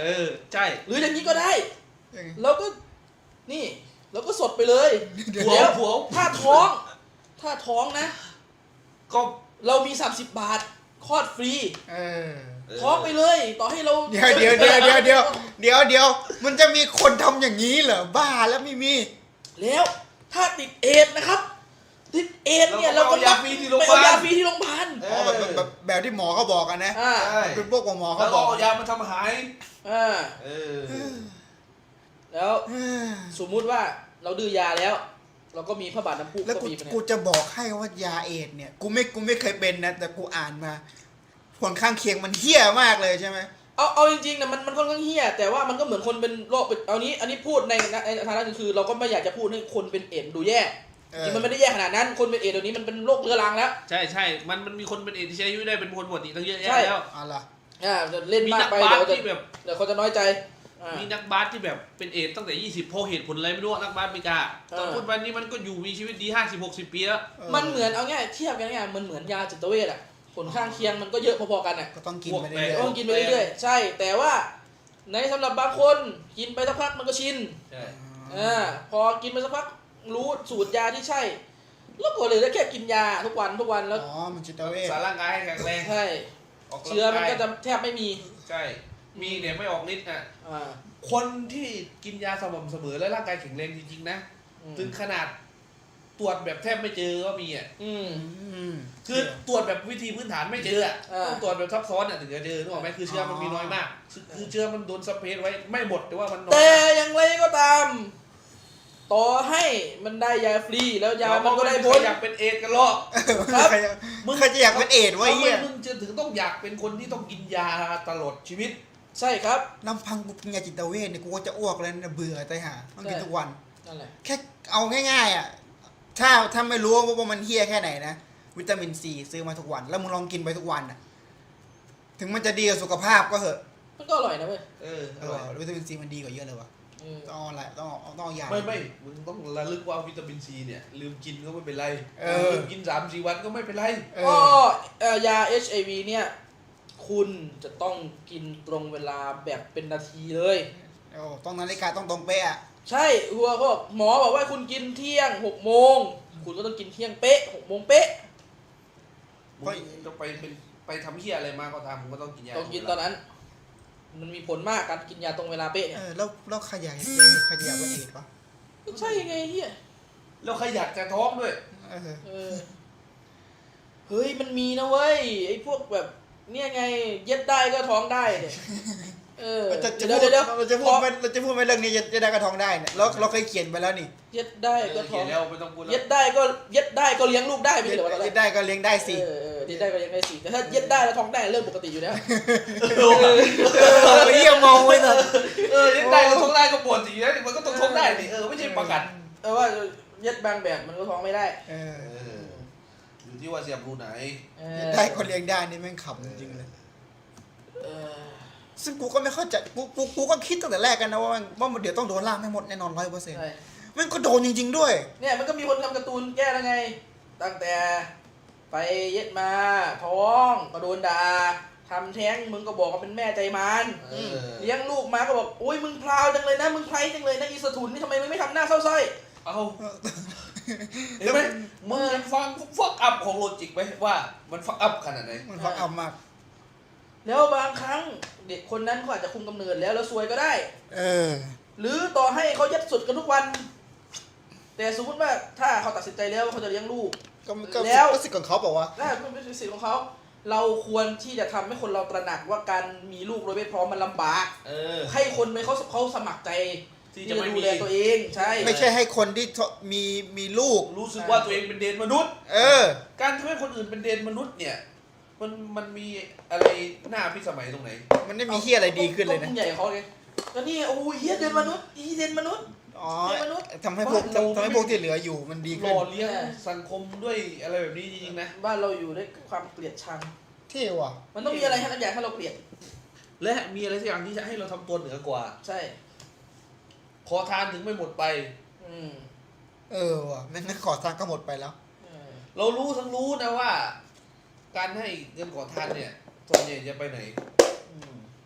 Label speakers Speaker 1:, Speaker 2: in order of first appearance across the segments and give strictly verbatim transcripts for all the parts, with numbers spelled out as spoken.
Speaker 1: อใช่
Speaker 2: หรืออย่างนี้ก็ได้เราก็นี่เราก็สดไปเลย
Speaker 1: ผัว
Speaker 2: แล้ว
Speaker 1: ผัว
Speaker 2: ถ้าท้องถ้าท้องนะ
Speaker 1: ก็
Speaker 2: เรามีสามสิบบาทคลอดฟรี
Speaker 3: เออ
Speaker 2: ท้องไปเลยต่อให้เรา
Speaker 3: เดี๋ยวเดี๋ยวเดี๋ยวเดี๋ยวเดี๋ยวเดี๋ยวเดี๋ยวมันจะมีคนทำอย่างนี้เหรอบ้าแล้วไม่มี
Speaker 2: แล้วถ้าติดเอดส์นะครับติดเอดส์เนี่ยเราก็
Speaker 1: ยาฟรีที่โรงพยา
Speaker 2: ไป
Speaker 1: บา
Speaker 2: เอา
Speaker 1: ล
Speaker 2: ยาฟรีที่โรงพยาบาล
Speaker 3: อ๋อแบบแบบแบบแบบที่หมอเขาบอกกันนะ
Speaker 2: อ่า
Speaker 1: ใช่
Speaker 3: เป็นพวกหมอ
Speaker 1: แล้
Speaker 3: เขา
Speaker 1: ว
Speaker 3: บ
Speaker 1: ก็
Speaker 3: อก
Speaker 1: เอายามาทำหาย
Speaker 2: อ่า
Speaker 1: เออ
Speaker 2: แล้ว
Speaker 3: เออ
Speaker 2: สมมุติว่าเราดื้อยาแล้ว เราก็มีพระบาทน้ำพุ
Speaker 3: แล้ว
Speaker 2: ก็
Speaker 3: กู
Speaker 2: มีไปเนี่
Speaker 3: กู
Speaker 2: ย
Speaker 3: จะบอกให้ว่ายาเอดส์เนี่ยกูไม่กูไม่เคยเป็นนะแต่กูอ่านมาผลข้างเคียงมันเหี้ยมากเลยใช่ไหม
Speaker 2: เอาเอาจริงๆนะมันมันค่อนข้างเฮี้ยแต่ว่ามันก็เหมือนคนเป็นโรคเป็นเอานี้อันนี้พูดในในในฐานะหนึ่งคือ เราก็ไม่อยากจะพูดให้คนเป็นเอดส์ดูแย่จริงมันไม่ได้แย่ขนาดนั้นคนเป็นเอดส์เดี๋ยวนี้มันเป็นโรคเรื้อรังแล้ว
Speaker 1: ใช่ใช่มันมันมีคนเป็นเอดส์ที่ใช้อายุได้เป็นคนปกติตั้งเยอะแยะ
Speaker 2: ใช่
Speaker 1: แล้ว
Speaker 3: เอาล่ะ
Speaker 2: อ่าเล่น
Speaker 1: มี
Speaker 2: มาก
Speaker 1: นัก
Speaker 2: ไป
Speaker 1: บาส
Speaker 2: เดี๋ยวจะ
Speaker 1: ที่แบบ
Speaker 2: เดี๋ยวเขาจะน้อยใจอ่า
Speaker 1: มีนักบาสที่แบบเป็นเอดส์ตั้งแต่ยี่สิบเพราะเหตุผลอะไรไม่รู้นักบาสอเมริกา
Speaker 2: เออ
Speaker 1: ตอนพูดวันนี้มันก็อยู่มีชีวิตดีห้าสิบหกสิบปีแล้ว
Speaker 2: มันเหมือนเอาง่ายเทียบกันง่ายมันเหมือนยาจิตเวชอะผลข้างเคียงมันก็เยอะพอๆกันอะ
Speaker 3: ก็ต้องกินไปเรื่อย
Speaker 2: ต้องกินไปเรื่อยๆใช่แต่ว่าในสำหรับบางคนกินไปสักพักมันก็ชิน
Speaker 1: ใช่
Speaker 3: ๆ
Speaker 2: อ่าพอกินไปสักพักรู้สูตรยาที่ใช่แล้วก็เลยได้แค่กินยาทุกวันทุกวันแล้ว
Speaker 3: อ๋อมันจิตเวช
Speaker 1: สารร่างกายให้แข็งแรง
Speaker 2: ใช่
Speaker 1: ออกกำลังกาย
Speaker 2: เชื้อมันก็จะแทบไม่มี
Speaker 1: ใช่มีเนี่ยไม่ออกฤทธิ์อ่ะ
Speaker 2: อ่า
Speaker 1: คนที่กินยาสม่ำเสมอและร่างกายแข็งแรงจริงๆนะ
Speaker 2: อืม
Speaker 1: ถึงขนาดตรวจแบบแทบไม่เจอก็มีอ่ะ
Speaker 2: อืม
Speaker 3: อืม
Speaker 1: คือตรวจแบบวิธีพื้นฐานไม่เจออ่ะ
Speaker 2: อ่า
Speaker 1: ต้องตรวจแบบซับซ้อนอ่ะถึงจะเจอนึกออกไหมคือเชื้อมันมีน้อยมากคือคือเชื้อมันโดนสเปรย์ไว้ไม่หมดแต่ว่ามันน้อย
Speaker 2: แต่
Speaker 1: มาก
Speaker 2: อย่างไรก็ตาม ต่อให้มันได้ยาฟรีแล้วยามันก็ได้ผ
Speaker 1: ใคร
Speaker 2: ล
Speaker 1: อยากเป็นเอดส์กันหรอก
Speaker 2: ครับ
Speaker 3: ใครจะมึงใครจะอยากเป็นเอดส์วะ
Speaker 1: ทำ
Speaker 3: ไอ้
Speaker 1: ไม
Speaker 3: เหี้ย
Speaker 1: มึงจะถึงต้องอยากเป็นคนที่ต้องกินยาตลอดชีวิต
Speaker 2: ใช่ครับ
Speaker 3: ลำพังกูกินยาจิตเวชเนี่ยกูก็จะอ้วกแล้วนะเบื่อตายห่าต้องกิน
Speaker 2: ใช่
Speaker 3: ทุกวัน
Speaker 2: นั่นแหละ
Speaker 3: แค่เอาง่ายๆอ่ะถ้าถ้าไม่รู้ว่ามันเฮี้ยแค่ไหนนะวิตามินซีซื้อมาทุกวัน แล้วมึงลองกินไปทุกวันอ่ะถึงมันจะดีกับสุขภาพก็เหอะ
Speaker 2: มันก็อร่อยนะเว้ย
Speaker 1: เออ
Speaker 3: เออวิตามินซีมันดีกว่าเยอะเลยวะ
Speaker 2: เออ
Speaker 3: ต้องเอาอะไรต้องเอาต้องเอายา
Speaker 1: ไม่ไม่มึงต้องระลึกว่าวิตามินซีเนี่ยลืมกินก็ไม่เป็นไร
Speaker 3: เออ
Speaker 1: ลืมกินสามสี่วันก็ไม่เป็นไร
Speaker 3: เอ
Speaker 2: ก็
Speaker 3: อ
Speaker 2: เอ่อยา เอช ไอ วี เนี่ย คุณจะต้องกินตรงเวลาแบบเป็นนาทีเลย
Speaker 3: โอ้ต้องนาฬิกาต้องตรงเป๊ะอะ
Speaker 2: ใช่หัวเขาบอกหมอบอกว่าคุณกินเที่ยงหกโมงคุณก็ต้องกินเที่ยงเป๊ะหกโมงเป๊ะ
Speaker 1: มึงจะไปเป็นไปทำเหี้ยอะไรมาก็ตามมึงก็ต้องกินยา
Speaker 2: ต้องกินตอนนั้น มันมีผลมากการกินยาตรงเวลาเป๊ะเนี่
Speaker 3: เอย อแล้วแล้วใครอยากใครอยากเป็นเอดส์วะ
Speaker 2: ก็ใช่ไงเฮีย
Speaker 1: แล้วใครอยากจะท้องด้วย
Speaker 3: เออ
Speaker 2: เออเฮ้ยมันมีนะเว้ยไอ้พวกแบบเนี่ยไงเย็ดได้ก็ท้องได้เนี่ยเออ
Speaker 3: เราจะจะ
Speaker 2: เดี๋
Speaker 3: พู
Speaker 2: ยว
Speaker 3: ด
Speaker 2: เดี๋ยว
Speaker 3: เราจะพูดไม่เราจะพูดไม่เรื่องนี้จะจะได้กระทองได้เนี่ยเราเราเคยเขียนไปแล้วนี่
Speaker 2: เย็ดได้ก็ท้
Speaker 1: เขี
Speaker 2: อย ง
Speaker 1: นแล้วไม่ต้องพูดแล้
Speaker 2: เย็
Speaker 1: ว
Speaker 2: ดได้ก็เย็ดได้ก็เลี้ยงลูกได้ไม่ใช่เหรอวะตอนแร
Speaker 3: เย็
Speaker 2: ก
Speaker 3: ดได้ก็เลี้ยงได้สิ
Speaker 2: เออเออเย็ดได้ก็เลี้ยงได้สิแต่ถ้าเย็ดได้แล้วท้องได้เรื่องปกติอยู่แล้ว
Speaker 1: เออ
Speaker 3: เออไปเยี่ยมมองไว้เถอะ
Speaker 1: เออยังได้ก็ท้องได้ก็ปวดสิแล้วมันก็ต้องท้องได้ดิเออไม่ใช่ประกัน
Speaker 2: เออว่าเย็ดบางแบบมันก็ท้องไม่ได้
Speaker 3: เออ
Speaker 1: เอออยู่ที่ว่าเสียบรูไหน
Speaker 2: เอ
Speaker 3: เย็
Speaker 2: อ
Speaker 3: ดได้ก็เลี้ยงได้นี่แม่งขำจริงๆเลย
Speaker 2: เออ
Speaker 3: ซึ่งกูก็ไม่เข้าใจกูกูกูก็คิดตั้งแต่แรกกันนะว่ามันว่ามันเดี๋ยวต้องโดนล่ามให้หมดแน่นอนร้อยเปอร์เซ็นต์
Speaker 2: ใช่
Speaker 3: มันก็โดนจริงๆด้วย
Speaker 2: เนี่ยมันก็มีคนทำการ์ตูนแก้แล้วไง ตั้งแต่ไปเย็ดมาท้องก็โดนด่าทำแท้งมึงก็บอกว่าเป็นแม่ใจมัน
Speaker 1: เออ
Speaker 2: เลี้ยงลูกมาก็บอกโอ้ยมึงพราวจังเลยนะมึงไพรจังเลยนะอีสถุนนี่ทำไมมึงไม่ทำหน้าเศร้าส้อย
Speaker 1: เอาเห็นไหมมึงยังฟังฟักอัพของโลจิกไหมว่ามันฟักอัพขนาดไหน
Speaker 3: มันฟังเอามาก
Speaker 2: แล้วบางครั้งเด็กคนนั้นเขาอาจจะคุมกำเนิดแล้วแล้วซวยก็ได้
Speaker 3: เออ
Speaker 2: หรือต่อให้เขายัดสุดกันทุกวัน แต่สมมติว่าถ้าเขาตัดสินใจแล้วว่าเขาจะเลี้ยงลูก
Speaker 3: ก็ก็
Speaker 2: แล้ว
Speaker 3: ก็สิทธิ์ของเขาบอกว่า
Speaker 2: นั่นเป็นสิทธิ์ของเขา เราควรที่จะทำให้คนเราตระหนักว่าการมีลูกโดยไม่พร้อมมันลำบาก
Speaker 1: เออ
Speaker 2: ให้คนไม่เขาเขาสมัครใจ
Speaker 1: ที่
Speaker 2: ที่
Speaker 1: จะ
Speaker 2: จะ
Speaker 1: ไม่
Speaker 2: ดู
Speaker 1: มี
Speaker 2: แลตัวเองใช่
Speaker 3: ไม่ใช่ให้คนที่มีมีลูก
Speaker 1: รู้สึกว่าตัวเองเป็นเดนมนุษย์
Speaker 3: เออ
Speaker 1: การทำให้คนอื่นเป็นเดนมนุษย์เนี่ย มันมันมีอะไรหน้าพิสมัยตรงไหน
Speaker 3: มันไม่มีเฮียอะไรดีขึ้นเลย
Speaker 2: ก็
Speaker 3: นะ
Speaker 2: พุ่งใหญ่เขาไงก็นี่โอ้ยเฮียเดนมนุษย์อีเดนมนุษย์
Speaker 3: อ๋อ
Speaker 2: เดนมนุษย์
Speaker 3: ทำให้พวก
Speaker 1: บ้านเรา
Speaker 3: ทำให้พวกที่เหลืออยู่มันดี
Speaker 1: ห
Speaker 3: ขึ้น
Speaker 1: ล่อเลี้ยงสังคมด้วยอะไรแบบนี้จริงๆนะ
Speaker 2: บ้านเราอยู่ด้วยความเกลียดชัง
Speaker 3: เที่ว่ะ
Speaker 2: มันต้องมีอะไรให้ทุกอย่างให้เราเกลียด
Speaker 1: และมีอะไรสักอย่างที่จะให้เราทำตัวเหนือกว่า
Speaker 2: ใช่
Speaker 1: ขอทานถึงไม่หมดไป
Speaker 2: อืม
Speaker 3: เออว่ะแม่งั้นขอทางก็หมดไปแล้ว
Speaker 2: เออ
Speaker 1: เรารู้ทั้งรู้นะว่า การให้เงินขอทานเนี่ยส่วนใหญ่จะไปไหน
Speaker 2: อืม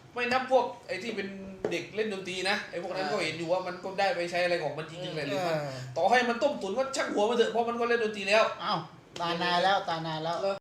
Speaker 1: ไม่นับพวกไอ้ที่เป็นเด็กเล่นดนตรีนะไอ้พวกนั้นก็เห็นอยู่ว่ามันก็ได้ไปใช้อะไรของมันจริงๆเลยหรือมันต่อให้มันต้มตุ๋นก็ช่างหัวมันเถอะเพราะมันก็เล่นดนตรีแล้ว
Speaker 3: อ้าวตานายแล้วตานายแล้ว